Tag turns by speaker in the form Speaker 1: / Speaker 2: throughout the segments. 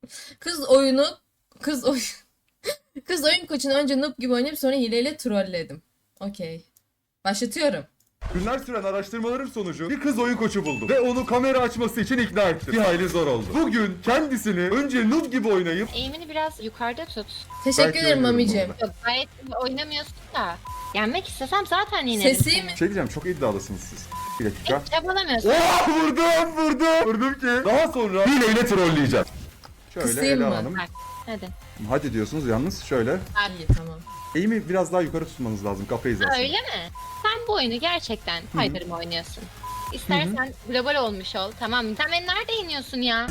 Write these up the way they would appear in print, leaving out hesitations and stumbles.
Speaker 1: Kız oyunu kız oyun kız oyun koçunu önce noob gibi oynayıp sonra hileyle trolledim. Okey. Başlatıyorum.
Speaker 2: Günler süren araştırmalarım sonucu bir kız oyun koçu buldum ve onu kamera açması için ikna ettim. Bir hayli zor oldu. Bugün kendisini önce noob gibi oynayıp
Speaker 3: Eğimini biraz yukarıda tut.
Speaker 1: Teşekkür
Speaker 2: Belki
Speaker 1: ederim
Speaker 2: oynuyorum
Speaker 1: mamicim.
Speaker 2: orada.
Speaker 3: Yok gayet iyi oynamıyorsun da. Yenmek istesem zaten yenerim
Speaker 1: Sesi
Speaker 3: seni.
Speaker 1: mi?
Speaker 2: şey diyeceğim, çok iddialısınız siz. Bir dakika.
Speaker 3: Hiç çabalamıyorsun.
Speaker 2: Oh, vurdum ki. Daha sonra hileyle trolleyeceğim. Şöyle
Speaker 1: Kısayım
Speaker 2: Ela
Speaker 1: mı?
Speaker 2: Hanım.
Speaker 3: Bak hadi.
Speaker 2: Hadi diyorsunuz yalnız şöyle.
Speaker 1: İyi tamam.
Speaker 2: Eğimi biraz daha yukarı tutmanız lazım kafa
Speaker 3: Ha,
Speaker 2: hizasını.
Speaker 3: öyle mi? Sen bu oyunu gerçekten kaydırma oynuyorsun. İstersen global olmuş ol, tamam mı? Sen beni nerede yeniyorsun ya?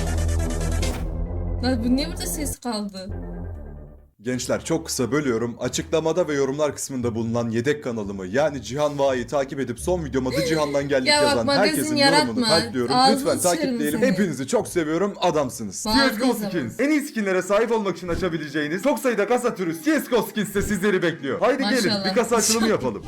Speaker 1: Lan bu niye burada ses kaldı?
Speaker 4: Gençler çok kısa bölüyorum. Açıklamada ve yorumlar kısmında bulunan yedek kanalımı yani Cihan Va'yı takip edip son videoma da Cihan'dan geldik
Speaker 1: Ya bak,
Speaker 4: yazan
Speaker 1: magazin
Speaker 4: herkesin
Speaker 1: yaratma.
Speaker 4: yorumunu kalpliyorum.
Speaker 1: Ağzını
Speaker 4: Lütfen
Speaker 1: sıçarım
Speaker 4: takipleyelim.
Speaker 1: seni.
Speaker 4: Hepinizi çok seviyorum. Adamsınız.
Speaker 1: Bazı
Speaker 2: CSGO
Speaker 1: zaman.
Speaker 2: Skins. En iyi skinlere sahip olmak için açabileceğiniz çok sayıda kasa türü CSGO Skins de sizleri bekliyor. Haydi gelin
Speaker 1: Maşallah.
Speaker 2: bir kasa açılımı yapalım.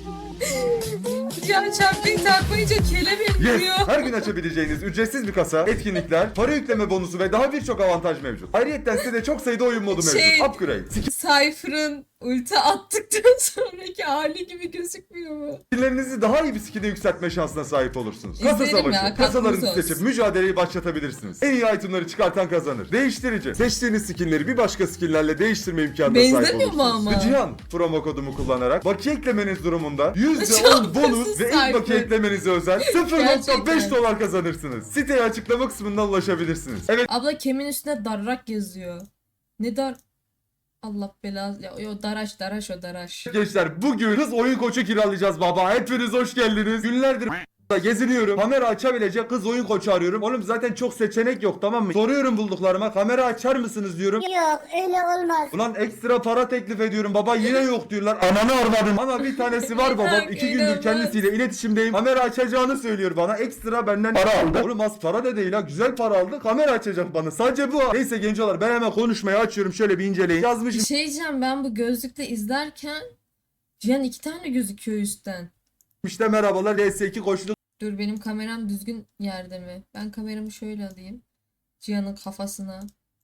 Speaker 1: Ya çarpıyı takmayınca kelebeğim
Speaker 2: Yes!
Speaker 1: vuruyor.
Speaker 2: Her gün açabileceğiniz ücretsiz bir kasa, etkinlikler, para yükleme bonusu ve daha birçok avantaj mevcut. Ayrıca sitede çok sayıda oyun modu mevcut.
Speaker 1: Şey-
Speaker 2: Upgrade.
Speaker 1: Cypher'ın ulti attıktan sonraki hali gibi gözükmüyor mu?
Speaker 2: Skinlerinizi daha iyi bir skine yükseltme şansına sahip olursunuz. Kasa
Speaker 1: İzlerim
Speaker 2: savaşı.
Speaker 1: ya,
Speaker 2: Kasalarınızı
Speaker 1: katkınız
Speaker 2: seçip
Speaker 1: olsun.
Speaker 2: mücadeleyi başlatabilirsiniz. En iyi itemları çıkartan kazanır. Değiştirici. Seçtiğiniz skinleri bir başka skinlerle değiştirme imkanına sahip
Speaker 1: Benzemiyor mu
Speaker 2: olursunuz.
Speaker 1: ama?
Speaker 2: Ve Cihan promo kodumu kullanarak bakiye eklemeniz durumunda
Speaker 1: Çok
Speaker 2: %10 bonus
Speaker 1: hırsız
Speaker 2: ve ilk
Speaker 1: Cypher.
Speaker 2: bakiye eklemenize özel 0.5
Speaker 1: Gerçekten.
Speaker 2: dolar kazanırsınız. Siteye açıklama kısmından ulaşabilirsiniz. Evet.
Speaker 1: Abla kemin üstüne darrak yazıyor. Ne dar... Allah belası... Ya, o daraş o daraş.
Speaker 2: Gençler bugün kız oyun koçu kiralayacağız baba. Hepiniz hoş geldiniz. Günlerdir geziniyorum. Kamera açabilecek kız oyun koçu arıyorum. Oğlum zaten çok seçenek yok, tamam mı? Soruyorum bulduklarıma. Kamera açar mısınız diyorum.
Speaker 5: Yok öyle olmaz.
Speaker 2: Ulan ekstra para teklif ediyorum. Baba yine yok diyorlar. Ananı arvadım. Ama bir tanesi var babam. 2 gündür
Speaker 1: İnanılmaz.
Speaker 2: kendisiyle iletişimdeyim. Kamera açacağını söylüyor bana. Ekstra benden para aldı. Oğlum az para da değil ha. Güzel para aldı. Kamera açacak bana. Sadece bu. Neyse gencolar ben hemen konuşmayı açıyorum. Şöyle bir inceleyin.
Speaker 1: Bir
Speaker 2: Yazmışım.
Speaker 1: şey diyeceğim, ben bu gözlükle izlerken Cihan 2 tane gözüküyor üstten.
Speaker 2: İşte merhabalar. DS2 koşulu
Speaker 1: Dur, benim kameram düzgün yerde mi? Ben kameramı şöyle alayım. Cihan'ın kafasına.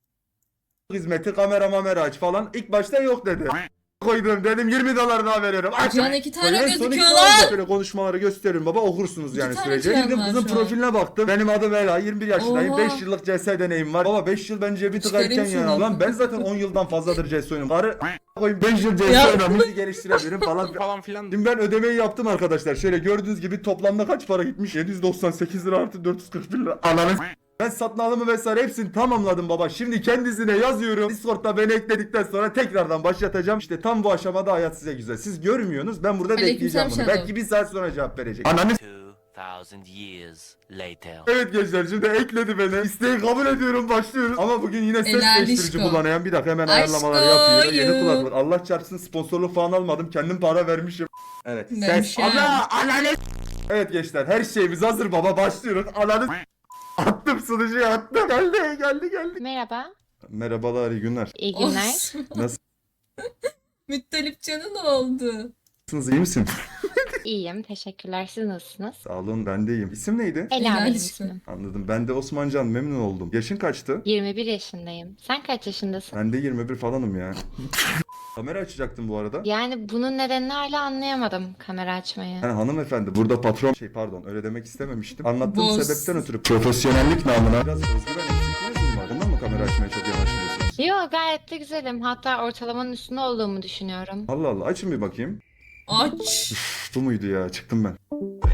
Speaker 2: hizmeti, kamera aç falan. İlk başta yok dedi. Koydum dedim 20 dolar daha veriyorum. Aç.
Speaker 1: Cihan 2 tane
Speaker 2: En son iki
Speaker 1: gözüküyor
Speaker 2: dolar da
Speaker 1: lan.
Speaker 2: Şöyle konuşmaları gösteriyorum baba, okursunuz yani
Speaker 1: tane
Speaker 2: sürece.
Speaker 1: Cihan
Speaker 2: Girdim
Speaker 1: var
Speaker 2: kızın
Speaker 1: şu an.
Speaker 2: profiline baktım. Benim adım Ela, 21 yaşındayım.
Speaker 1: Oha.
Speaker 2: 5 yıllık CS deneyim var. Baba 5 yıl bence bir tık
Speaker 1: Çıkarayım
Speaker 2: erken ya.
Speaker 1: şuradan.
Speaker 2: Lan ben zaten 10 yıldan fazladır CS oynuyorum. Karı koyayım 5 yıl CS
Speaker 1: Ya.
Speaker 2: oynuyorum. Bizi geliştirebilirim falan
Speaker 6: filan.
Speaker 2: Şimdi ben ödemeyi yaptım arkadaşlar. Şöyle gördüğünüz gibi toplamda kaç para gitmiş? 798 lira artı 441 lira. Ananı ben satın alımı vesaire hepsini tamamladım baba. Şimdi kendisine yazıyorum. Discord'da beni ekledikten sonra tekrardan başlatacağım. İşte tam bu aşamada hayat size güzel. Siz görmüyorsunuz. Ben burada bekleyeceğim bunu.
Speaker 1: Shadow.
Speaker 2: Belki bir saat sonra cevap verecek. Ananı
Speaker 7: 2000 years later.
Speaker 2: Evet gençler, şimdi ekledi beni. İsteği kabul ediyorum, başlıyoruz. Ama bugün yine ses
Speaker 1: Helal
Speaker 2: değiştirici
Speaker 1: aşko.
Speaker 2: kullanayan, bir dakika hemen
Speaker 1: Aşko
Speaker 2: ayarlamaları yapıyor. Yeni
Speaker 1: you.
Speaker 2: kulaklık. Allah çarpsın sponsorluk falan almadım. Kendim para vermişim. Evet. Ses.
Speaker 1: Vermişim.
Speaker 2: Evet gençler, her şeyimiz hazır baba, başlıyoruz. Ananı attım, sunucuya attım. Geldi.
Speaker 3: Merhaba,
Speaker 2: Merhabalar, iyi günler.
Speaker 3: iyi günler.
Speaker 1: Olsun.
Speaker 2: Nasılsınız,
Speaker 1: Müttalip Can'ı ne oldu?
Speaker 2: iyi misin?
Speaker 3: İyiyim, teşekkürler. Siz nasılsınız?
Speaker 2: Sağ olun, ben de iyiyim. İsim neydi?
Speaker 3: Ela
Speaker 1: Helal
Speaker 3: benim
Speaker 1: olsun.
Speaker 3: ismim.
Speaker 2: Anladım. Ben de Osmancan, memnun oldum. Yaşın kaçtı?
Speaker 3: 21 yaşındayım. Sen kaç yaşındasın?
Speaker 2: Ben de 21 falanım ya. Kamera açacaktım bu arada.
Speaker 3: Yani bunun nedenini hala anlayamadım kamera açmayı.
Speaker 2: Yani hanımefendi, burada patron pardon, öyle demek istememiştim. Anlattığım
Speaker 1: Boss.
Speaker 2: sebepten ötürü profesyonellik namına biraz özgüven eksikliğiniz mi var? Bundan mı kamera açmaya çok yanaşmıyorsunuz?
Speaker 3: Yo, gayet de güzelim. Hatta ortalamanın üstünde olduğumu düşünüyorum.
Speaker 2: Allah Allah, açın bir bakayım.
Speaker 1: Aç.
Speaker 2: Bu muydu ya? Çıktım ben.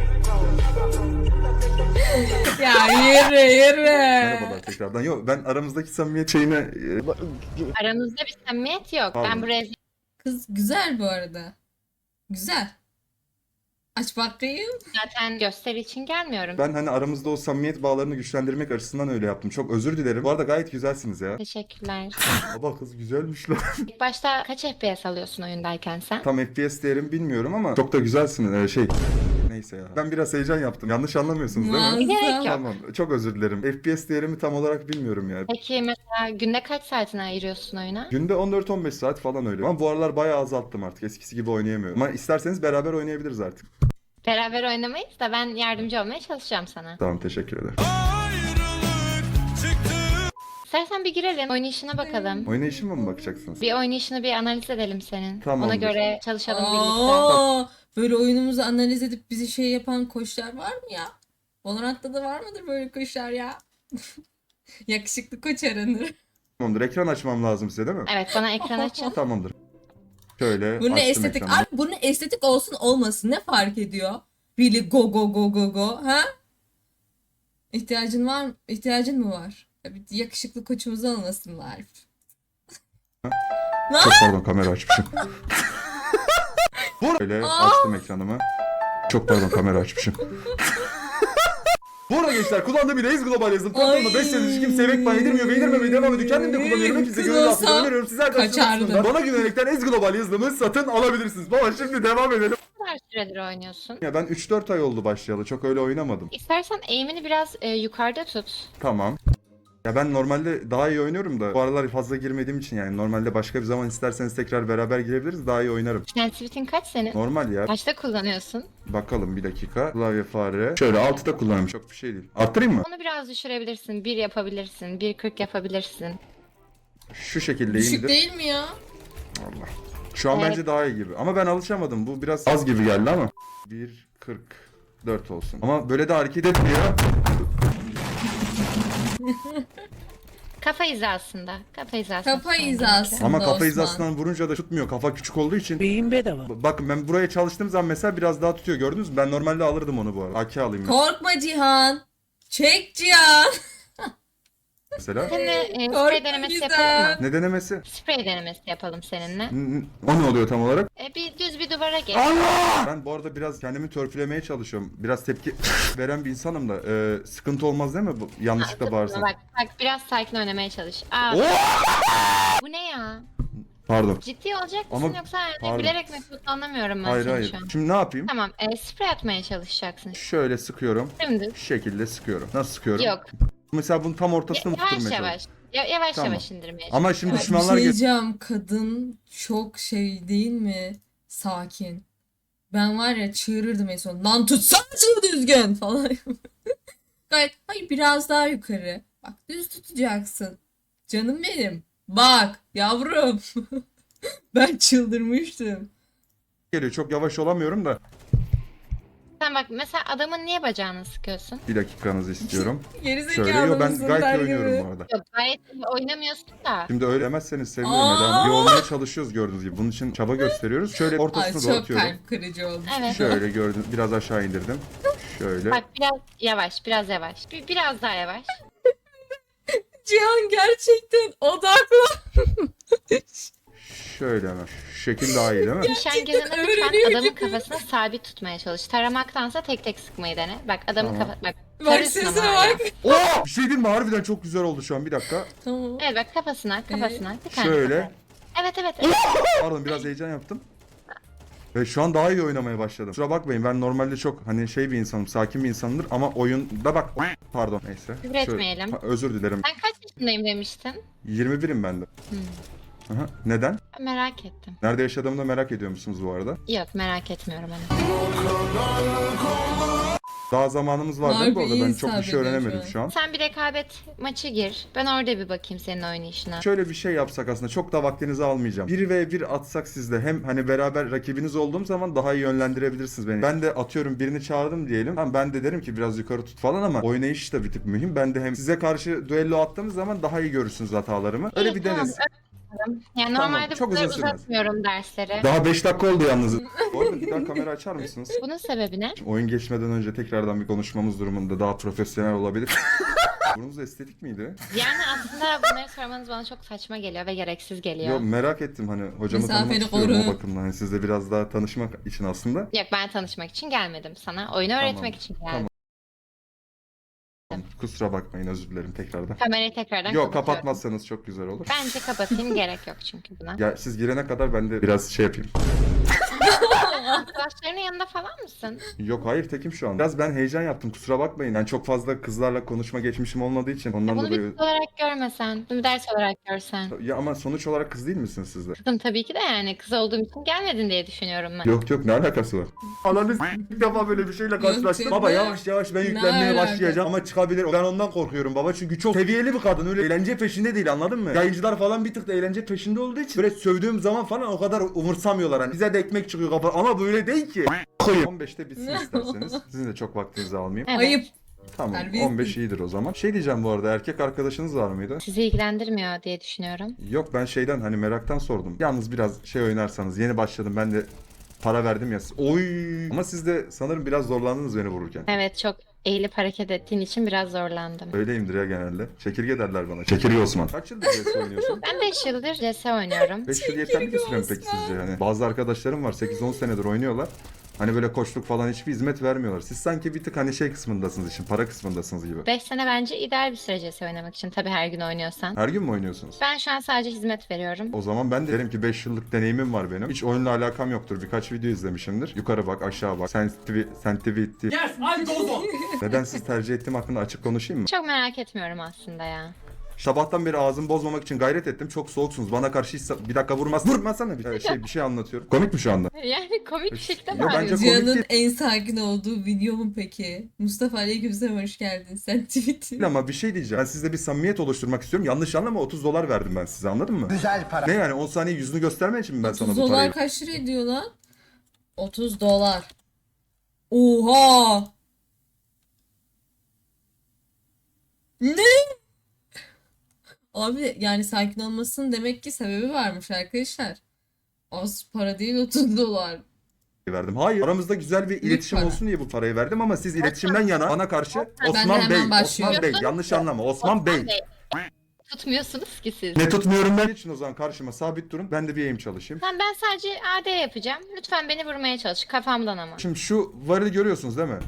Speaker 1: Ya yürü.
Speaker 2: Merhabalar tekrardan. Yok, ben aramızdaki samimiyet şeyine
Speaker 3: Aranızda bir samimiyet yok.
Speaker 2: Pardon.
Speaker 3: Ben buraya
Speaker 1: Kız güzel bu arada. Güzel. Aç bakayım.
Speaker 3: zaten gösteri için gelmiyorum.
Speaker 2: ben hani aramızda o samimiyet bağlarını güçlendirmek açısından öyle yaptım. Çok özür dilerim. Bu arada gayet güzelsiniz ya.
Speaker 3: Teşekkürler.
Speaker 2: Baba kız güzelmiş lan.
Speaker 3: İlk başta kaç FPS alıyorsun oyundayken sen?
Speaker 2: Tam FPS değerim bilmiyorum ama çok da güzelsiniz. Neyse ya. Ben biraz heyecan yaptım. Yanlış anlamıyorsunuz değil mi?
Speaker 3: Gerek yok.
Speaker 1: Muazzam.
Speaker 2: Tamam. Çok özür dilerim. FPS değerimi tam olarak bilmiyorum ya.
Speaker 3: Peki mesela günde kaç saatini ayırıyorsun oyuna?
Speaker 2: Günde 14-15 saat falan öyle. Ama bu aralar bayağı azalttım artık. Eskisi gibi oynayamıyorum. Ama isterseniz beraber oynayabiliriz artık.
Speaker 3: Beraber oynamayız da ben yardımcı olmaya çalışacağım sana.
Speaker 2: Tamam, teşekkür ederim.
Speaker 3: İstersen bir girelim. Oynayışına bakalım.
Speaker 2: Oynayışıma mı bakacaksınız?
Speaker 3: Bir oynayışını bir analiz edelim senin. Ona
Speaker 2: Tamamdır.
Speaker 3: göre çalışalım birlikte.
Speaker 1: Aa, böyle oyunumuzu analiz edip bizi şey yapan koçlar var mı ya? Valorant'ta da var mıdır böyle koçlar ya? Yakışıklı koç aranır.
Speaker 2: Tamamdır. Ekran açmam lazım size değil mi?
Speaker 3: Evet, bana ekran açın.
Speaker 2: Tamamdır. Şöyle
Speaker 1: Bu ne
Speaker 2: açtım
Speaker 1: estetik?
Speaker 2: ekranı.
Speaker 1: Abi bu ne estetik olsun olmasın ne fark ediyor? Really go go go go go ha? İhtiyacın var mı? İhtiyacın mı var? Ya bir yakışıklı koçumuzu almasınlar.
Speaker 2: Çok pardon, kamera açmışım. Böyle açtım ekranımı. Çok pardon, kamera açmışım. Bu arada gençler, kullandığım bile Global yazdım. Platformda 5 senedir kimseye Vekban yedirmiyor ve yedirmemeye devam ediyor. Kendim de kullanıyorum. Hepinize
Speaker 1: Kız
Speaker 2: gönül rahatlığıyla
Speaker 1: olsa
Speaker 2: öneriyorum. Sizler de
Speaker 1: kaçardı.
Speaker 2: açtığınızda bana güvenerekten Global yazılımı satın alabilirsiniz. Baba şimdi devam edelim.
Speaker 3: Ne kadar süredir oynuyorsun?
Speaker 2: Ya ben 3-4 ay oldu başlayalı. Çok öyle oynamadım.
Speaker 3: İstersen aim'ini biraz yukarıda tut.
Speaker 2: Tamam. Ya ben normalde daha iyi oynuyorum da bu aralar fazla girmediğim için yani normalde başka bir zaman isterseniz tekrar beraber girebiliriz, daha iyi oynarım.
Speaker 3: Sensitivity'in kaç senin?
Speaker 2: Normal ya.
Speaker 3: Kaçta kullanıyorsun?
Speaker 2: Bakalım bir dakika. Klavye fare. Şöyle 6'da kullanıyorum. Çok bir şey değil. Arttırayım mı?
Speaker 3: Onu biraz düşürebilirsin. 1 yapabilirsin. 1.40 yapabilirsin.
Speaker 2: Şu şekilde
Speaker 1: Düşük
Speaker 2: indir.
Speaker 1: değil mi ya?
Speaker 2: Allah. Şu an
Speaker 3: Evet.
Speaker 2: bence daha iyi gibi. Ama ben alışamadım. Bu biraz az gibi geldi ama. 1.44 olsun. Ama böyle de hareket etmiyor.
Speaker 3: Kafa hizasında. Kafa hizasında.
Speaker 1: Kafa
Speaker 3: tutman
Speaker 1: hizası.
Speaker 3: gerekiyor.
Speaker 2: Ama
Speaker 1: Osman.
Speaker 2: kafa hizasından vurunca da tutmuyor. Kafa küçük olduğu için.
Speaker 5: Beyin bedava.
Speaker 2: Bakın ben buraya çalıştığım zaman mesela biraz daha tutuyor. Gördünüz mü? Ben normalde alırdım onu bu arada. AK alayım
Speaker 1: Korkma Cihan. Çek Cihan.
Speaker 2: mesela.
Speaker 3: Seninle
Speaker 1: Korkma
Speaker 3: sprey denemesi
Speaker 1: güzel.
Speaker 3: yapalım mı?
Speaker 2: Ne denemesi?
Speaker 3: Sprey denemesi yapalım seninle.
Speaker 2: O ne oluyor tam olarak?
Speaker 3: Bir düz bir duvara geç.
Speaker 2: Ben bu arada biraz kendimi törpülemeye çalışıyorum. Biraz tepki veren bir insanım da. Sıkıntı olmaz değil mi? Yanlışlıkla bağırsam.
Speaker 3: Bak biraz sakin oynamaya çalış. Bu ne ya?
Speaker 2: Pardon.
Speaker 3: Ciddi olacak
Speaker 2: Ama-
Speaker 3: mısın yoksa yani
Speaker 2: pardon.
Speaker 3: bilerek mi tuttu anlamıyorum ben
Speaker 2: Hayır
Speaker 3: seni
Speaker 2: hayır.
Speaker 3: şu an.
Speaker 2: Şimdi ne yapayım?
Speaker 3: Tamam, sprey atmaya çalışacaksın.
Speaker 2: Şöyle sıkıyorum.
Speaker 3: Şimdi
Speaker 2: Şu şekilde sıkıyorum. Nasıl sıkıyorum?
Speaker 3: yok.
Speaker 2: Mesela bunun tam ortasını mı
Speaker 3: Yavaş
Speaker 2: tutturmaya
Speaker 3: yavaş.
Speaker 2: çalışıyorum?
Speaker 3: Yavaş
Speaker 2: Tamam.
Speaker 3: yavaş indirmeye
Speaker 2: Ama şimdi
Speaker 1: Bir
Speaker 2: düşmanlar
Speaker 1: şey
Speaker 2: geliyor.
Speaker 1: diyeceğim, kadın çok şey değil mi? Sakin. Ben var ya çığırırdım en son. Lan tutsana şunu düzgün falan. Gayet hayır biraz daha yukarı. Bak düz tutacaksın. Canım benim. Bak yavrum. Ben çıldırmıştım.
Speaker 2: Geliyor. Çok yavaş olamıyorum da.
Speaker 3: Sen bak mesela adamın niye bacağını sıkıyorsun?
Speaker 2: Bir dakikanızı istiyorum.
Speaker 1: Gerizekalı
Speaker 2: Şöyle. Yo, ben
Speaker 1: mısın
Speaker 2: gayet
Speaker 1: der
Speaker 2: iyi oynuyorum
Speaker 1: gibi.
Speaker 2: bu arada.
Speaker 3: Yok gayet iyi oynamıyorsun da.
Speaker 2: Şimdi öyle demezseniz sevinirim.
Speaker 1: Aa!
Speaker 2: Neden? İyi olmaya çalışıyoruz gördüğünüz gibi. Bunun için çaba gösteriyoruz. Şöyle
Speaker 1: Ay
Speaker 2: ortasını
Speaker 1: çok
Speaker 2: dağıtıyorum.
Speaker 1: kalp kırıcı oldu.
Speaker 3: Evet.
Speaker 2: Şöyle gördüm. Biraz aşağı indirdim. Şöyle.
Speaker 3: Bak biraz yavaş, biraz yavaş. Biraz daha yavaş.
Speaker 1: Cihan gerçekten odaklı.
Speaker 2: Şöyle hemen. Şu şekil daha iyi değil mi?
Speaker 3: Nişan gözünü
Speaker 1: öğreniyor
Speaker 3: lütfen adamın
Speaker 1: gibi.
Speaker 3: kafasına sabit tutmaya çalış. Taramaktansa tek tek sıkmayı dene. Bak adamın
Speaker 2: Tamam.
Speaker 3: kafa... Bak
Speaker 1: Bak
Speaker 3: tarıyorsun ama
Speaker 1: sesine
Speaker 3: hala.
Speaker 1: bak.
Speaker 2: Oh! Bir şey diyeyim mi? Harbiden çok güzel oldu şu an. Bir dakika.
Speaker 1: Tamam.
Speaker 3: Evet bak kafasına. Bir tane
Speaker 2: Şöyle.
Speaker 3: kafa. Evet.
Speaker 2: Pardon, biraz heyecan yaptım. Ve şu an daha iyi oynamaya başladım. Kusura bakmayın, ben normalde çok hani şey bir insanım, sakin bir insanımdır ama oyunda bak pardon neyse.
Speaker 3: Küfür etmeyelim.
Speaker 2: Özür dilerim.
Speaker 3: Sen kaç yaşındayım demiştin?
Speaker 2: 21'im ben de. Aha, neden?
Speaker 3: Merak ettim.
Speaker 2: Nerede yaşadığımı da merak ediyor musunuz bu arada?
Speaker 3: Yok merak etmiyorum hani.
Speaker 2: Daha zamanımız var değil mi bu
Speaker 1: Harbi
Speaker 2: arada? Ben
Speaker 1: iyi
Speaker 2: çok bir şey
Speaker 1: hesap ediyor
Speaker 2: öğrenemedim
Speaker 1: şu
Speaker 2: şu an.
Speaker 3: Sen bir rekabet maçı gir. Ben orada bir bakayım senin oynayışına.
Speaker 2: Şöyle bir şey yapsak aslında çok da vaktinizi almayacağım. 1v1 atsak sizde hem hani beraber rakibiniz olduğum zaman daha iyi yönlendirebilirsiniz beni. Ben de atıyorum birini çağırdım diyelim. Tamam, ben de derim ki biraz yukarı tut falan ama oynayış da bir tık mühim. Ben de hem size karşı düello attığımız zaman daha iyi görürsünüz hatalarımı. Öyle
Speaker 3: İyi,
Speaker 2: bir
Speaker 3: tamam,
Speaker 2: deniz.
Speaker 3: Yani
Speaker 2: Tamam,
Speaker 3: normalde
Speaker 2: çok
Speaker 3: bu kadar
Speaker 2: uzun sürmez.
Speaker 3: uzatmıyorum dersleri.
Speaker 2: Daha 5 dakika oldu yalnız. Bu arada bir daha kamera açar mısınız?
Speaker 3: Bunun sebebi ne?
Speaker 2: Oyun geçmeden önce tekrardan bir konuşmamız durumunda daha profesyonel olabilir. Burnunuz estetik miydi?
Speaker 3: Yani aslında bunları sormanız bana çok saçma geliyor ve gereksiz geliyor.
Speaker 2: Yok, merak ettim hani hocamı
Speaker 1: Mesafeni
Speaker 2: tanımak istiyorum
Speaker 1: koru.
Speaker 2: o bakımdan. Hani sizle biraz daha tanışmak için aslında.
Speaker 3: Yok ben tanışmak için gelmedim sana. Oyunu öğretmek için geldim.
Speaker 2: Tamam. Kusura bakmayın, özür dilerim tekrardan.
Speaker 3: Kamerayı tekrardan
Speaker 2: Yok,
Speaker 3: kapatıyorum.
Speaker 2: kapatmazsanız çok güzel olur.
Speaker 3: Bence kapatayım gerek yok çünkü buna.
Speaker 2: Ya siz girene kadar ben de biraz şey yapayım.
Speaker 3: Arkadaşlarının yanında falan mısın?
Speaker 2: Yok hayır tekim şu an. Biraz ben heyecan yaptım kusura bakmayın. Yani çok fazla kızlarla konuşma geçmişim olmadığı için ondan
Speaker 3: Bunu bir
Speaker 2: dolayı.
Speaker 3: kız olarak görmesen, bunu bir ders olarak görsen.
Speaker 2: Ya ama sonuç olarak kız değil misiniz siz de?
Speaker 3: Kızım tabii ki de yani kız olduğum için gelmedin diye düşünüyorum ben.
Speaker 2: Yok yok ne alakası var? Ananız ilk defa böyle bir şeyle karşılaştım.
Speaker 1: canım.
Speaker 2: Baba yavaş yavaş ben
Speaker 1: Ne
Speaker 2: yüklenmeye
Speaker 1: alaka?
Speaker 2: başlayacağım ama çıkabilir. Ben ondan korkuyorum baba çünkü çok seviyeli bir kadın öyle eğlence peşinde değil anladın mı? Yayıncılar falan bir tık da eğlence peşinde olduğu için böyle sövdüğüm zaman falan o kadar umursamıyorlar. Hani bize de ekmek çıkıyor kafa ama böyle değil ki. 15'te bitsin isterseniz. Sizin de çok vaktinizi almayayım.
Speaker 3: Evet.
Speaker 1: Ayıp.
Speaker 2: Tamam
Speaker 1: Terbiyesiz.
Speaker 2: 15 iyidir o zaman. Şey diyeceğim bu arada erkek arkadaşınız var mıydı?
Speaker 3: Sizi ilgilendirmiyor diye düşünüyorum.
Speaker 2: Yok ben şeyden hani meraktan sordum. Yalnız biraz şey oynarsanız yeni başladım ben de para verdim ya. Oy. Ama siz de sanırım biraz zorlandınız beni vururken.
Speaker 3: Evet, çok eğilip hareket ettiğin için biraz zorlandım.
Speaker 2: Öyleyimdir ya genelde. Çekirge derler bana. Çekirge Osman. Kaç yıldır CS oynuyorsun?
Speaker 3: Ben 5 yıldır CS oynuyorum.
Speaker 2: 5 yıl yeterli bir süre mi peki sizce? Yani bazı arkadaşlarım var 8-10 senedir oynuyorlar. Hani böyle koçluk falan hiçbir hizmet vermiyorlar. Siz sanki bir tık hani şey kısmındasınız işin, para kısmındasınız gibi.
Speaker 3: 5 sene bence ideal bir süre CS oynamak için. Tabii her gün oynuyorsan.
Speaker 2: Her gün mü oynuyorsunuz?
Speaker 3: Ben şu an sadece hizmet veriyorum.
Speaker 2: O zaman ben de derim ki 5 yıllık deneyimim var benim. Hiç oyunla alakam yoktur. Birkaç video izlemişimdir. Yukarı bak, aşağı bak. Sensitivity.
Speaker 5: Yes, I goes on.
Speaker 2: Neden siz tercih ettiğim hakkında açık konuşayım mı?
Speaker 3: Çok merak etmiyorum aslında ya.
Speaker 2: Sabahtan beri ağzımı bozmamak için gayret ettim. Çok soğuksunuz. Bana karşı hiç bir dakika vurmaz. Vurmasana bir şey anlatıyorum. Komik mi şu anda?
Speaker 3: Yani komik bir şekilde
Speaker 2: Yo, bence
Speaker 3: bağırıyorsun.
Speaker 2: komik
Speaker 1: Cihan'ın
Speaker 2: değil.
Speaker 1: en sakin olduğu video mu peki? Mustafa Aleykümselam hoş geldin. Sen tweet'in.
Speaker 2: Ama bir şey diyeceğim. Ben sizle bir samimiyet oluşturmak istiyorum. Yanlış anlama $30 verdim ben size anladın mı?
Speaker 5: Güzel para.
Speaker 2: Ne yani 10 saniye yüzünü göstermek için mi ben sana
Speaker 1: 30
Speaker 2: bu parayı...
Speaker 1: dolar kaç lira ediyor lan? 30 dolar. Oha! Ne? Abi yani sakin olmasının demek ki sebebi varmış arkadaşlar. Az para değil 30 dolar.
Speaker 2: verdim. Hayır. Aramızda güzel bir iletişim
Speaker 1: para.
Speaker 2: olsun diye bu parayı verdim ama siz iletişimden yana bana karşı
Speaker 1: Ben de
Speaker 2: Osman
Speaker 1: hemen
Speaker 2: Bey, Osman
Speaker 1: başlıyorum.
Speaker 2: Bey yanlış anlama Osman Bey.
Speaker 3: Tutmuyorsunuz ki siz.
Speaker 2: Ne tutmuyorum ben için o zaman karşıma sabit durun. Ben de bir aim çalışayım.
Speaker 3: Tamam, ben sadece AD yapacağım. Lütfen beni vurmaya çalış. Kafamdan ama.
Speaker 2: Şimdi şu varı görüyorsunuz değil mi?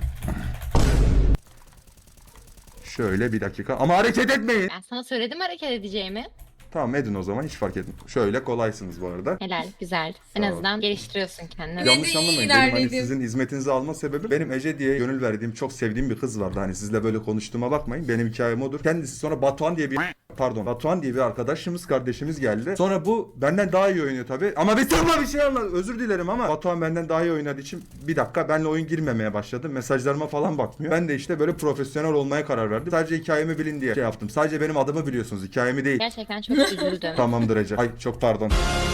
Speaker 2: Şöyle bir dakika ama hareket etmeyin.
Speaker 3: Ben sana söyledim hareket edeceğimi.
Speaker 2: Tamam edin o zaman hiç fark etmiyor. Şöyle kolaysınız bu arada.
Speaker 3: Helal, güzel. En
Speaker 2: Sağ ol.
Speaker 3: azından geliştiriyorsun kendini.
Speaker 1: Ya-
Speaker 2: Yanlış anlamayın. Benim hani
Speaker 1: ilerledim.
Speaker 2: sizin hizmetinizi alma sebebi benim Ece diye gönül verdiğim çok sevdiğim bir kız vardı. Hani sizle böyle konuştuğuma bakmayın. Benim hikayem odur. Kendisi sonra Batuhan diye bir arkadaşımız kardeşimiz geldi. Sonra bu benden daha iyi oynuyor tabii. Ama bir sorma bir şey anlat. Özür dilerim ama Batuhan benden daha iyi oynadığı için bir dakika benimle oyun girmemeye başladı. Mesajlarıma falan bakmıyor. Ben de işte böyle profesyonel olmaya karar verdim. Sadece hikayemi bilin diye şey yaptım. Sadece benim adımı biliyorsunuz. Hikayemi değil.
Speaker 3: Gerçekten çok üzüldüm.
Speaker 2: Tamamdır Ece. Ay çok pardon.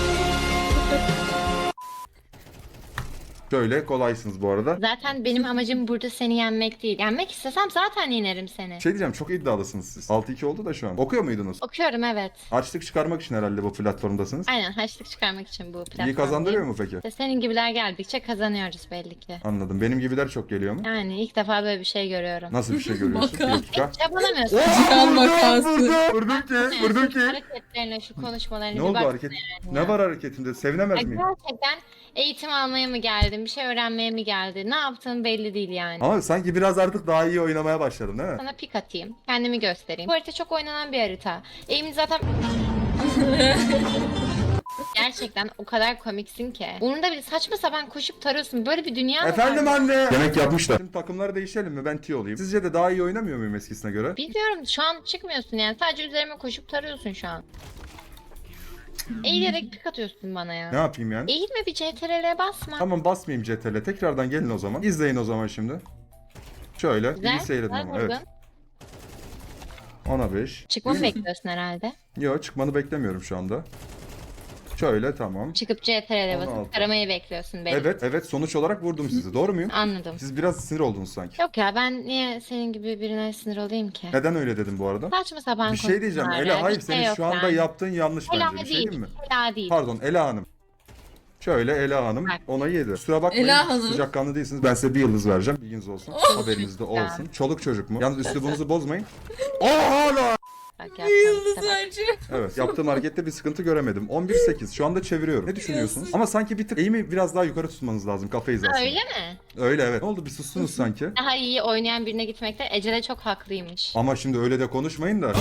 Speaker 2: Şöyle kolaysınız bu arada.
Speaker 3: Zaten benim amacım burada seni yenmek değil. Yenmek istesem zaten yenerim seni.
Speaker 2: Şey diyeceğim çok iddialısınız siz. 6-2 oldu da şu an. Okuyor muydunuz?
Speaker 3: Okuyorum, evet.
Speaker 2: Açlık çıkarmak için herhalde bu platformdasınız.
Speaker 3: Aynen, harçlık çıkarmak için bu platform.
Speaker 2: İyi kazandırıyor mu peki?
Speaker 3: İşte senin gibiler geldikçe kazanıyoruz belli ki.
Speaker 2: Anladım. Benim gibiler çok geliyor mu?
Speaker 3: Yani ilk defa böyle bir şey görüyorum.
Speaker 2: Nasıl bir şey görüyorsun? Bir
Speaker 1: Baka.
Speaker 2: dakika.
Speaker 3: Çabalamıyorsun.
Speaker 1: Cihan vakası.
Speaker 2: Vurdum
Speaker 3: Şu hareketlerine, şu konuşmalarına
Speaker 2: Ne
Speaker 3: bir
Speaker 2: oldu
Speaker 3: bak.
Speaker 2: hareket? Ne var hareketimde? Sevinemez miyim?
Speaker 3: Gerçekten eğitim almaya mı geldin, bir şey öğrenmeye mi geldin? Ne yaptığın belli değil yani.
Speaker 2: Ama sanki biraz artık daha iyi oynamaya başladım değil mi?
Speaker 3: Sana pik atayım, kendimi göstereyim. Bu harita çok oynanan bir harita. Eğimin zaten... Gerçekten o kadar komiksin ki. Umurunda bile saçma sapan koşup tarıyorsun. Böyle bir dünya mı
Speaker 2: Efendim
Speaker 3: var?
Speaker 2: anne. Demek yapmışlar. Şimdi takımları değişelim mi? Ben T olayım. Sizce de daha iyi oynamıyor muyum eskisine göre?
Speaker 3: Bilmiyorum, şu an çıkmıyorsun yani. Sadece üzerime koşup tarıyorsun şu an. Eğilerek pik atıyorsun bana ya.
Speaker 2: Ne yapayım yani?
Speaker 3: Eğilme, bir CTRL'e basma.
Speaker 2: Tamam basmayayım CTRL. Tekrardan gelin o zaman. İzleyin o zaman şimdi. Şöyle.
Speaker 3: Güzel,
Speaker 2: iyi seyredin
Speaker 3: güzel
Speaker 2: ama.
Speaker 3: vurdun.
Speaker 2: Evet. 10'a 5.
Speaker 3: Çıkmamı bekliyorsun herhalde.
Speaker 2: Yok çıkmanı beklemiyorum şu anda. Şöyle tamam.
Speaker 3: Çıkıp CTRL'e
Speaker 2: 16.
Speaker 3: basıp taramayı bekliyorsun belli.
Speaker 2: Evet sonuç olarak vurdum sizi. Doğru muyum?
Speaker 3: Anladım.
Speaker 2: Siz biraz sinir oldunuz sanki.
Speaker 3: Yok ya, ben niye senin gibi birine sinir olayım ki?
Speaker 2: Neden öyle dedim bu arada?
Speaker 3: Saçma sapan
Speaker 2: Bir şey diyeceğim.
Speaker 3: konuşmalar
Speaker 2: Ela
Speaker 3: ya,
Speaker 2: hayır
Speaker 3: bir şey
Speaker 2: senin
Speaker 3: yok
Speaker 2: şu anda
Speaker 3: yani.
Speaker 2: yaptığın yanlış
Speaker 3: Ela
Speaker 2: bence. Bir şey
Speaker 3: değil.
Speaker 2: değil mi?
Speaker 3: Ela değil.
Speaker 2: Pardon Ela Hanım. Şöyle Ela Hanım
Speaker 3: Bak.
Speaker 2: ona 7. Kusura bakmayın
Speaker 1: Ela Hanım.
Speaker 2: sıcakkanlı değilsiniz. Ben size bir yıldız vereceğim. Bilginiz olsun. Haberiniz de
Speaker 3: Ya.
Speaker 2: olsun. Çoluk çocuk mu? Yalnız üslubunuzu bozmayın. Hala.
Speaker 3: Bak,
Speaker 1: Bir
Speaker 3: yaptığın
Speaker 1: yıldız
Speaker 3: işte bak.
Speaker 1: önce.
Speaker 2: Evet yaptığım harekette bir sıkıntı göremedim. 11-8 şu anda çeviriyorum. Ne düşünüyorsunuz? Ama sanki bir tık eğimi biraz daha yukarı tutmanız lazım kafa
Speaker 3: Ha,
Speaker 2: hizasını.
Speaker 3: öyle mi?
Speaker 2: Öyle evet. Ne oldu bir sustunuz sanki.
Speaker 3: Daha iyi oynayan birine gitmekte Ece de çok haklıymış.
Speaker 2: Ama şimdi öyle de konuşmayın da.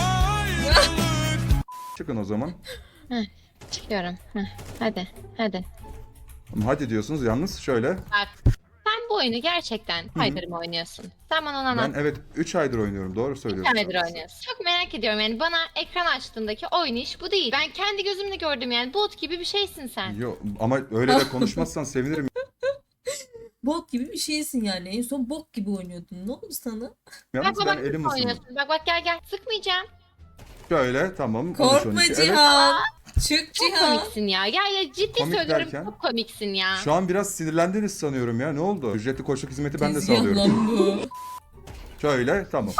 Speaker 2: Çıkın o zaman.
Speaker 3: Çıkıyorum. Heh, hadi.
Speaker 2: Ama hadi diyorsunuz yalnız şöyle.
Speaker 3: Bak sen bu oyunu gerçekten Haydar mı oynuyorsun? Sen bana onu
Speaker 2: Ben
Speaker 3: anlat.
Speaker 2: evet 3 aydır oynuyorum. Doğru
Speaker 3: Bir
Speaker 2: söylüyorsun.
Speaker 3: tanedir oynuyorsun. Çok merak ediyorum yani bana ekran açtığındaki oynayış bu değil. Ben kendi gözümle gördüm yani bot gibi bir şeysin sen.
Speaker 2: Yok ama öyle de konuşmazsan sevinirim.
Speaker 1: Bok gibi bir şeysin yani. En son bok gibi oynuyordun. Ne oldu sana?
Speaker 2: Yalnız
Speaker 3: Bak
Speaker 2: ben
Speaker 3: bak
Speaker 2: elim
Speaker 3: nasıl
Speaker 2: ısındı.
Speaker 3: oynuyorsun. Bak gel sıkmayacağım.
Speaker 2: Şöyle tamam.
Speaker 1: Korkma
Speaker 2: 13-12. Evet.
Speaker 1: Cihan. Çık
Speaker 3: Çok
Speaker 1: Cihan.
Speaker 3: komiksin ya. Ya ciddi
Speaker 2: Komik
Speaker 3: söylüyorum
Speaker 2: derken?
Speaker 3: çok komiksin ya.
Speaker 2: Şu an biraz sinirlendiniz sanıyorum ya. Ne oldu? Ücretli koçluk hizmeti ben de
Speaker 1: Tezgah
Speaker 2: sağlıyorum.
Speaker 1: lan bu.
Speaker 2: Şöyle tamam.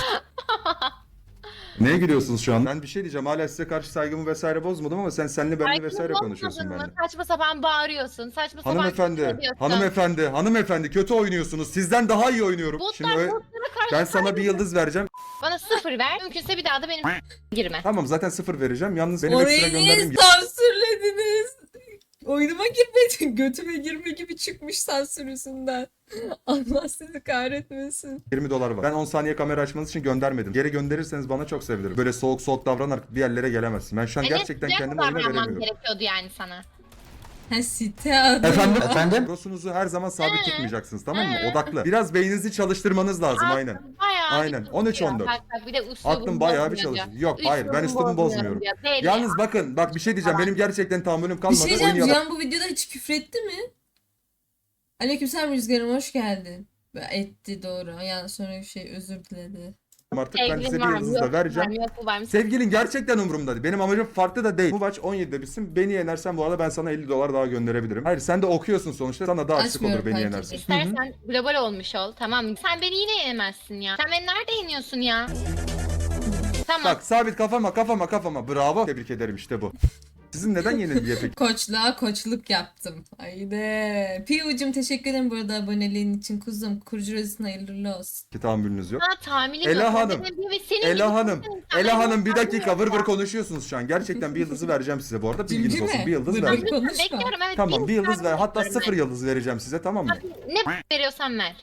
Speaker 2: Neye gülüyorsunuz şu an? Ben bir şey diyeceğim. Hala size karşı saygımı vesaire bozmadım ama senle benimle
Speaker 3: Saygını
Speaker 2: vesaire konuşuyorsun
Speaker 3: bozmadın mı?
Speaker 2: benimle.
Speaker 3: Saçma sapan bağırıyorsun. Saçma sapan
Speaker 2: Hanımefendi,
Speaker 3: küfür ediyorsun.
Speaker 2: hanımefendi kötü oynuyorsunuz. Sizden daha iyi oynuyorum. Şimdi
Speaker 3: Botlar
Speaker 2: öyle-
Speaker 3: botlara karşı
Speaker 2: ben sana bir yıldız vereceğim.
Speaker 3: bana 0 ver. Mümkünse bir daha da benim girme.
Speaker 2: Tamam zaten 0 vereceğim. Yalnız benim ekstra
Speaker 1: Orayı niye
Speaker 2: gönderdiğim
Speaker 1: sansürlediniz? Oyunuma girmedin. Götüme girme gibi çıkmış sansür yüzünden. Allah sizi kahretmesin.
Speaker 2: $20 var. Ben 10 saniye kamera açmanız için göndermedim. Geri gönderirseniz bana çok sevinirim. Böyle soğuk davranarak bir yerlere gelemezsin. Ben şu an gerçekten
Speaker 3: Sıcak
Speaker 2: kendimi oyuna
Speaker 3: davranmam
Speaker 2: veremiyorum.
Speaker 3: gerekiyordu yani sana.
Speaker 1: Ha site adı.
Speaker 2: Efendim? Prosunuzu her zaman sabit tutmayacaksınız tamam mı? Odaklı. Biraz beyninizi çalıştırmanız lazım aynen.
Speaker 3: Bayağı
Speaker 2: Aynen.
Speaker 3: bir
Speaker 2: 13-14.
Speaker 3: Bak bir de üslubunu
Speaker 2: Aklım bayağı bir
Speaker 3: bozmuyor
Speaker 2: çalışıyor.
Speaker 3: diyor.
Speaker 2: Yok hayır ben üslubumu bozmuyorum.
Speaker 3: diyor. Belli.
Speaker 2: Yalnız bakın bak bir şey diyeceğim. Benim gerçekten tahammülüm
Speaker 1: Bir
Speaker 2: kalmadı.
Speaker 1: şey diyeceğim.
Speaker 2: Oynayalım.
Speaker 1: Cihan bu videoda hiç küfretti mi? Aleykümselam Rüzgar'ım hoş geldin. Etti doğru. Yani sonra bir şey özür diledi.
Speaker 2: Artık ben size
Speaker 3: Sevgilin
Speaker 2: bir
Speaker 3: var mı?
Speaker 2: yıldız
Speaker 3: Yok,
Speaker 2: da vereceğim.
Speaker 3: var mı? Yok bu var mı?
Speaker 2: Sevgilin gerçekten umurumda değil. Benim amacım farklı da değil. Bu maç 17'de bitsin. Beni yenersen bu arada ben sana $50 daha gönderebilirim. Hayır sen de okuyorsun sonuçta. Sana daha açlık
Speaker 1: Açmıyorum
Speaker 2: olur beni
Speaker 1: kanki.
Speaker 2: yenersen.
Speaker 3: İstersen global olmuş ol tamam mı? Sen beni yine yenemezsin ya. Sen beni nerede yeniyorsun ya? Tamam.
Speaker 2: Bak sabit kafama. Bravo. Tebrik ederim işte bu. Sizin neden yenilgiye peki?
Speaker 1: Koçluğa koçluk yaptım. Haydi. Piyucum teşekkür ederim bu arada aboneliğin için kuzum. Kurucu rozisine hayırlı olsun.
Speaker 2: Ki tahammülünüz yok.
Speaker 3: Ha tahminim
Speaker 2: Ela
Speaker 3: yok.
Speaker 2: Hanım,
Speaker 3: Benim gibi senin
Speaker 2: Ela
Speaker 3: gibi
Speaker 2: Hanım.
Speaker 3: insanlar
Speaker 2: Ela Hanım
Speaker 3: yok.
Speaker 2: bir dakika
Speaker 3: Tahmin
Speaker 2: vır
Speaker 3: yok.
Speaker 2: konuşuyorsunuz şu an. Gerçekten bir yıldızı vereceğim size bu arada. Bilginiz
Speaker 1: Cimcime.
Speaker 2: olsun. Bir yıldız
Speaker 1: Vır
Speaker 2: vereceğim.
Speaker 1: konuşma.
Speaker 3: Bekliyorum evet.
Speaker 2: Tamam bir yıldız ver. Hatta
Speaker 3: bekliyorum
Speaker 2: 0 yıldız vereceğim size tamam mı?
Speaker 3: ben. Ne veriyorsan ver.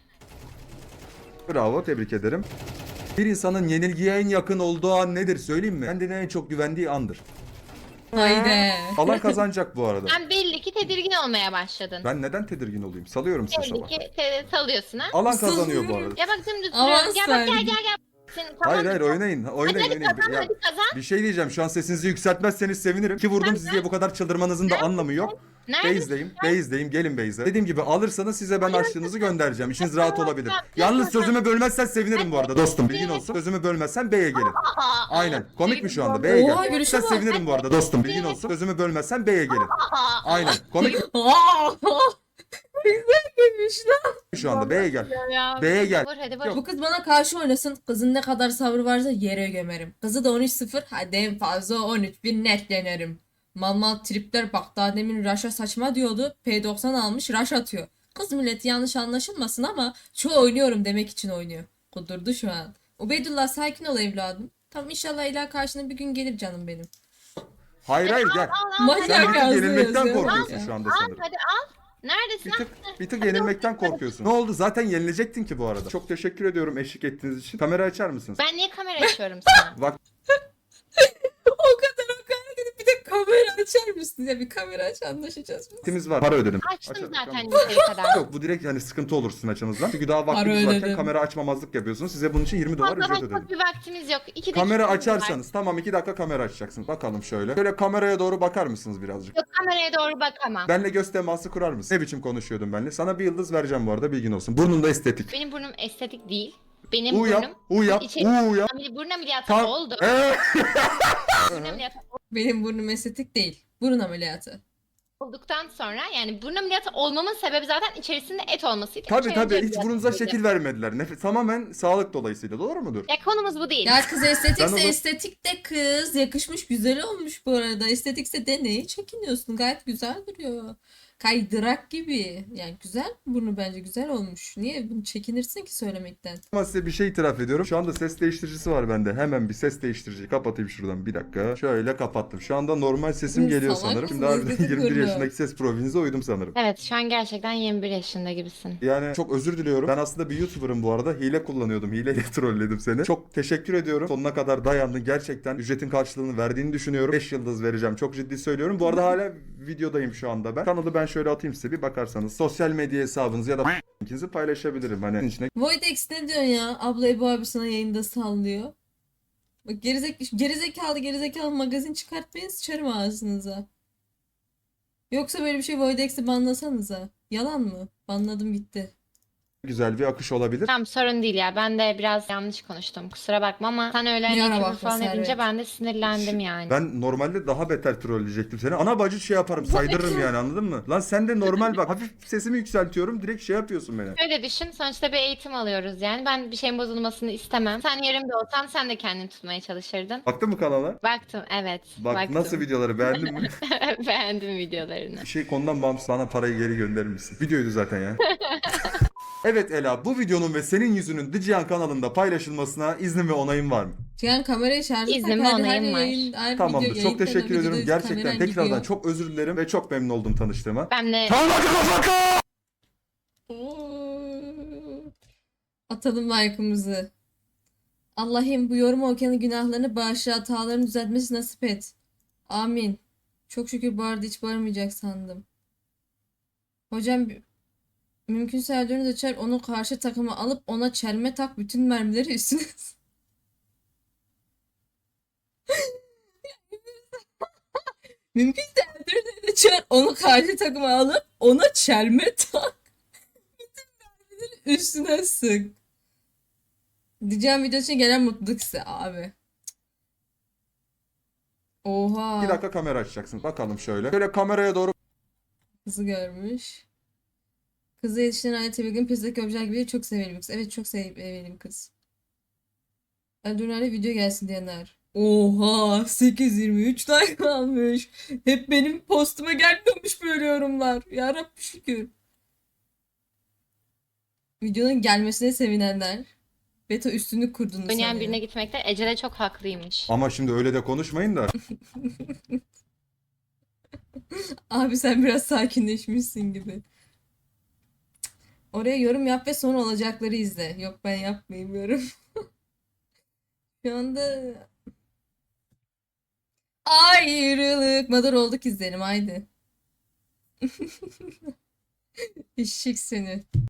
Speaker 2: Bravo tebrik ederim. Bir insanın yenilgiye en yakın olduğu an nedir söyleyeyim mi? Kendine en çok güvendiği andır.
Speaker 1: Haydi.
Speaker 2: Alan kazanacak bu arada.
Speaker 3: Sen belli ki tedirgin olmaya başladın.
Speaker 2: Ben neden tedirgin olayım? Salıyorum size
Speaker 3: Belli
Speaker 2: sabah.
Speaker 3: ki salıyorsun ha.
Speaker 2: Alan kazanıyor bu arada.
Speaker 3: Ya bak dümdüz
Speaker 1: Avans
Speaker 3: duruyorum. Gel bak
Speaker 1: verdim.
Speaker 3: gel. Senin, tamam,
Speaker 2: Hayır oynayın.
Speaker 3: Hadi kazan
Speaker 2: Ya,
Speaker 3: hadi kazan.
Speaker 2: bir şey diyeceğim. Şu an sesinizi yükseltmezseniz sevinirim. Ki vurdum siz diye bu kadar çıldırmanızın da anlamı yok.
Speaker 3: Nerede?
Speaker 2: Base'deyim. Gelin base'e. Dediğim gibi alırsanız size ben harçlığınızı göndereceğim. İşiniz rahat olabilir.
Speaker 3: tamam.
Speaker 2: Yalnız sözümü bölmezsen sevinirim bu arada dostum. Bilgin olsun. Sözümü bölmezsen B'ye gelin. Aynen. Komik mi şu anda? B'ye
Speaker 1: Oha,
Speaker 2: gel.
Speaker 1: görüşe
Speaker 2: Sen
Speaker 1: bak.
Speaker 2: sevinirim bu arada dostum. Bilgin olsun. Sözümü bölmezsen B'ye gelin. Aynen. Komik mi
Speaker 1: Aa! Güzel demiş lan.
Speaker 2: şu anda? B'ye gel.
Speaker 3: Ya.
Speaker 2: B'ye gel.
Speaker 3: Vur hadi vur.
Speaker 1: Bu kız bana karşı oynasın. Kızın ne kadar sabrı varsa yere gömerim. Kızı da 13-0. Hadi en fazla 13-1 net yenerim. Mal tripler bak daha demin Raş'a saçma diyordu. P90 almış Raş atıyor. Kız milleti yanlış anlaşılmasın ama çoğu oynuyorum demek için oynuyor. Kudurdu şu an. Ubeydullah sakin ol evladım. Tamam inşallah ilah karşına bir gün gelir canım benim.
Speaker 2: Hayır gel. Sen
Speaker 1: Manyak
Speaker 2: bir tık
Speaker 1: yazdı
Speaker 2: yenilmekten
Speaker 1: yazıyor.
Speaker 2: korkuyorsun şu anda sanırım.
Speaker 3: Hadi al. Neredesin?
Speaker 2: Bir tık yenilmekten korkuyorsun. Ne oldu? Zaten yenilecektin ki bu arada. Çok teşekkür ediyorum eşlik ettiğiniz için. Kamera açar mısınız?
Speaker 3: Ben niye kamera açıyorum sana?
Speaker 2: Bak
Speaker 1: O kadar gidip bir de kamera açar mısın? Ya bir kamera aç anlaşacağız.
Speaker 2: vaktimiz var. Para ödedim.
Speaker 3: Açtım
Speaker 2: Açarım.
Speaker 3: zaten
Speaker 2: Tamam.
Speaker 3: yeteri kadar.
Speaker 2: Yok bu direkt yani sıkıntı olur sizin açınızdan. Çünkü daha vaktimiz
Speaker 1: Para
Speaker 2: varken
Speaker 1: ödedim.
Speaker 2: kamera açmamazlık yapıyorsunuz. Size bunun için $20
Speaker 3: Fazla
Speaker 2: ücret
Speaker 3: vakit
Speaker 2: ödedim.
Speaker 3: bir vaktimiz yok. 2
Speaker 2: Kamera
Speaker 3: dakikamız var.
Speaker 2: açarsanız tamam 2 dakika kamera açacaksınız. Bakalım şöyle. Şöyle kameraya doğru bakar mısınız birazcık?
Speaker 3: Yok kameraya doğru bakamam.
Speaker 2: Benle göz teması kurar mısın? Ne biçim konuşuyordum benle? Sana bir yıldız vereceğim bu arada bilgin olsun. Burnun da estetik.
Speaker 3: Benim burnum estetik değil. Benim
Speaker 2: U yap,
Speaker 3: burnum
Speaker 2: U yap,
Speaker 3: içeri-
Speaker 2: U yap.
Speaker 3: burun ameliyatı
Speaker 2: Tam.
Speaker 3: oldu.
Speaker 2: Ee?
Speaker 3: Burun ameliyatı
Speaker 1: Benim burnum estetik değil. Burun ameliyatı.
Speaker 3: olduktan sonra yani burun ameliyatı olmamın sebebi zaten içerisinde et olmasıydı.
Speaker 2: Tabii
Speaker 3: İçeri
Speaker 2: tabii hiç
Speaker 3: ameliyatı
Speaker 2: burnunuza
Speaker 3: oldu.
Speaker 2: şekil vermediler. Tamamen sağlık dolayısıyla doğru mudur?
Speaker 3: Ya konumuz bu değil.
Speaker 1: Ya kız
Speaker 2: Ben
Speaker 1: estetikse
Speaker 2: o zaman-
Speaker 1: estetik de kız. Yakışmış güzel olmuş bu arada. Estetikse de neye çekiniyorsun? Gayet güzel duruyor. Kaydırak gibi. Yani güzel burnu bence güzel olmuş. Niye bunu çekinirsin ki söylemekten?
Speaker 2: Ama size bir şey itiraf ediyorum. Şu anda ses değiştiricisi var bende. Hemen bir ses değiştiriciyi kapatayım şuradan bir dakika. Şöyle kapattım. Şu anda normal sesim
Speaker 1: Salak
Speaker 2: geliyor
Speaker 1: mısın?
Speaker 2: sanırım. Şimdi
Speaker 1: Estetik
Speaker 2: harbiden 21
Speaker 1: burnu.
Speaker 2: yaşındaki ses profilinize uydum sanırım.
Speaker 3: Evet şu an gerçekten 21 yaşında gibisin.
Speaker 2: Yani çok özür diliyorum. Ben aslında bir YouTuber'ım bu arada. Hile kullanıyordum. Hileyle trolledim seni. Çok teşekkür ediyorum. Sonuna kadar dayandın. Gerçekten ücretin karşılığını verdiğini düşünüyorum. 5 yıldız vereceğim. Çok ciddi söylüyorum. Bu arada hala videodayım şu anda ben. Kanalı ben şöyle atayım size bir bakarsanız. Sosyal medya hesabınızı ya da linkinizi paylaşabilirim. Hani içine
Speaker 1: Voidex ne diyorsun ya? Abla Ebu abi sana yayında sallıyor. Bak gerizekalı magazin çıkartmayın sıçarım ağzınıza. Yoksa böyle bir şey Voidex'i banlasanıza. Yalan mı? Banladım gitti.
Speaker 2: güzel bir akış olabilir.
Speaker 3: Tamam, sorun değil ya. Ben de biraz yanlış konuştum. Kusura bakma ama sen öyle
Speaker 1: Yara
Speaker 3: hani küfür
Speaker 1: bakma
Speaker 3: falan edince
Speaker 1: Servet.
Speaker 3: ben de sinirlendim yani.
Speaker 2: Ben normalde daha beter trolleyecektim seni. Ana bacı şey yaparım, saydırırım yani, anladın mı? Lan sen de normal bak, hafif sesimi yükseltiyorum, direkt şey yapıyorsun beni.
Speaker 3: Şöyle düşün, sonuçta bir eğitim alıyoruz yani. Ben bir şeyin bozulmasını istemem. Sen yerimde olsan sen de kendini tutmaya çalışırdın.
Speaker 2: Baktın mı kanala?
Speaker 3: Baktım, evet.
Speaker 2: Bak
Speaker 3: baktım.
Speaker 2: nasıl videoları beğendin mi?
Speaker 3: Beğendim videolarını.
Speaker 2: Bir şey konudan bağımsız, bana parayı geri gönderir misin? Videoydu zaten ya. Evet Ela, bu videonun ve senin yüzünün The Cihan kanalında paylaşılmasına iznin ve onayın var mı?
Speaker 1: Cihan kamerayı şarja tak.
Speaker 3: İznim ve
Speaker 1: Her
Speaker 3: onayım var.
Speaker 1: yayın, her
Speaker 2: Tamamdır.
Speaker 1: video,
Speaker 2: Çok
Speaker 1: yayında da
Speaker 2: teşekkür ediyorum.
Speaker 1: videoda
Speaker 2: Gerçekten
Speaker 1: kameran
Speaker 2: tekrardan
Speaker 1: gidiyor.
Speaker 2: çok özür dilerim ve çok memnun oldum tanıştığıma.
Speaker 3: Ben de
Speaker 1: Oo. Atalım like'ımızı. Allah'ım bu yorum okuyanın günahlarını bağışla, hatalarını düzeltmesi nasip et. Amin. Çok şükür bu arada hiç bağırmayacak sandım. Hocam mümkünse Erdoğan'ı açar onu karşı takıma alıp ona çelme tak bütün mermileri üstüne. Mümkünse Erdoğan'ı açar onu karşı takıma alıp ona çelme tak bütün mermileri üstüne sık. Diyeceğim video için gelen mutluluk size abi. Oha.
Speaker 2: 2 dakika kamera açacaksın. Bakalım şöyle. Şöyle kameraya doğru
Speaker 1: Kızı görmüş. Kızı yetiştiren aile tebilgin piyasadaki objeler gibi değil, çok sevimli bir kız. Evet çok sevimli bir kız. Eldurnar'da video gelsin diyenler. Oha 823 like almış. Hep benim postuma gelmiyormuş böyle yorumlar. Yarabbim şükür. Videonun gelmesine sevinenler. Beta üstünlük kurduğunu
Speaker 3: oynayan
Speaker 1: sanıyor.
Speaker 3: birine gitmekte Ece de çok haklıymış.
Speaker 2: ama şimdi öyle de konuşmayın da.
Speaker 1: Abi sen biraz sakinleşmişsin gibi. Oraya yorum yap ve sonra olacakları izle. Yok ben yapmayayım yorum. Şu anda ayrılık. Madar olduk izleyelim haydi. Eşek seni.